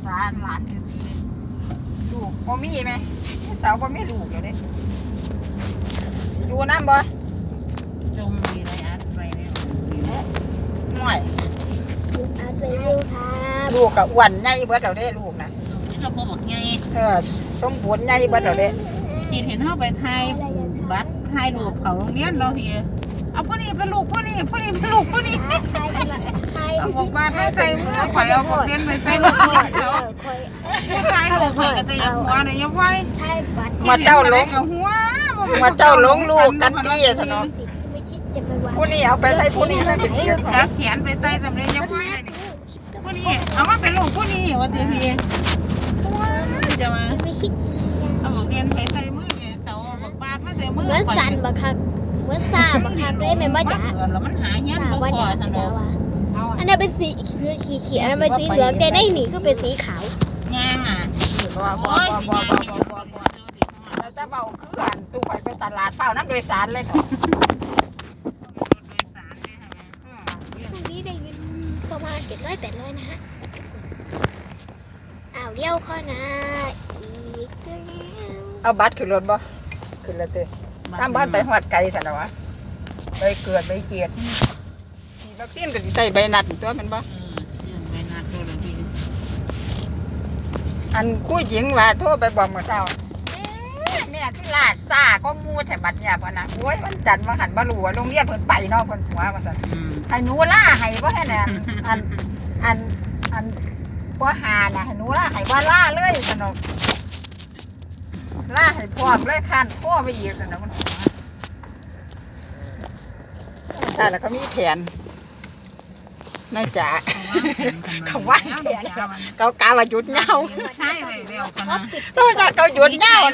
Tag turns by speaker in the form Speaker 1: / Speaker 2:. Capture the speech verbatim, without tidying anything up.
Speaker 1: ษาหลานซื่อๆลูกบ่มีไหมสาวบ่มีลูกอยู่เด้อยู่น้ำบ่
Speaker 2: จมมีอะไรอัดไปเนี่ย
Speaker 1: หน่อย
Speaker 3: อัดไปดูครับ
Speaker 1: ลูกกับอ้วนใหญ่เบิดแล้วเด้ลูกนะ
Speaker 2: นี่เราบอกไง
Speaker 1: เออสมบูรณ์ใหญ่เบิดแล้วเด้
Speaker 2: พี่เห็นเขาไปไทยบัตรไทยรูปเขาโรงเรียนเราพี่เอาผู้นี้เป็นลูกผู้นี้ผู้นี้เป็นลูกผู้นี้เอาบอกว่าให้ใจมือข่อยเอาบอกเรียนไปใจมือเขาผู้ชายหลงข่อยก็จะยังหัวเนี่ยยังไว้
Speaker 1: มาเจ้าหลง
Speaker 2: กับหัว
Speaker 1: มาเจ้าหลงลูกกันตี้อะสนองผู้นี้เอาไปใส่ผู้นี้ไม่เป็นที่
Speaker 2: จับแขนไปใส่สำเร็จยังไว้ผู้นี้เอามาเป็นลูกผู้นี้ว่าเจพี่จะมาเอาบอกเรียนไปใส่มือเนี่ยเสาบอกบาดมาใส่มือ
Speaker 3: เหมือนสันบักครับเหมือนซาบักครับเลยแม่มาจ๋า
Speaker 2: แล้วมันหายัน
Speaker 3: ซา
Speaker 2: บ่
Speaker 3: ว่า
Speaker 2: พอ
Speaker 3: จ๋า
Speaker 2: สัน
Speaker 3: จ๋า
Speaker 2: เนาะ
Speaker 3: ว่าอันนั้นเป็นสีขีเขียวอันนั้นเป็นสีเหลืองแต่ได้หนีก็เป็นสีขาว
Speaker 2: งางอ่ะ
Speaker 1: บ่บ่บ่บ่บ่บ่บ่แล้วจะเบาคืออันตู้ไปไปตลาดเฝ้าน้ำโดยสารเลยค่ะ
Speaker 3: ช่วงนี้ได้เงินประมาณเจ็ดร้อยแปดร้อยนะฮะอ้าวเลี้ยวข้อนะอีกแล้ว
Speaker 1: เอาบัตรขึ้นรถบ่ขึ้นรถเด้ตามบ้านไปหอดไกลสันแล้ววะไปเกิดไปเกียรติฉีดวัคซีนก็สิใส่ใบนัดตัวมันบ่อันคู่หญิงว่าโทรไปบอกเมื่อเช้าแม่คือลาดซ่าก็มูแถบัดเนี่ยพ่อนะโอ้ยมันจันทร์มาหันมาหลัวโรงเรียนเพิ่นไปเนาะเพิ่นหัวว่าซั่นให้หนูล่าให้บ่ให้แน่อันอันอันบ่หาน่ะให้หนูล่าให้บ่ล่าเลยสนุกล่าให้พร้อมเลยคันข้อไปอีกสนุกมันหัวใช่แล้วก็มีแผนนายจ๋าเขาว่าแผนเขากาว่าหยุดเงา
Speaker 2: ใช่ไปเร็วกันนะ
Speaker 1: ต้องจัดเขาหยุดเงา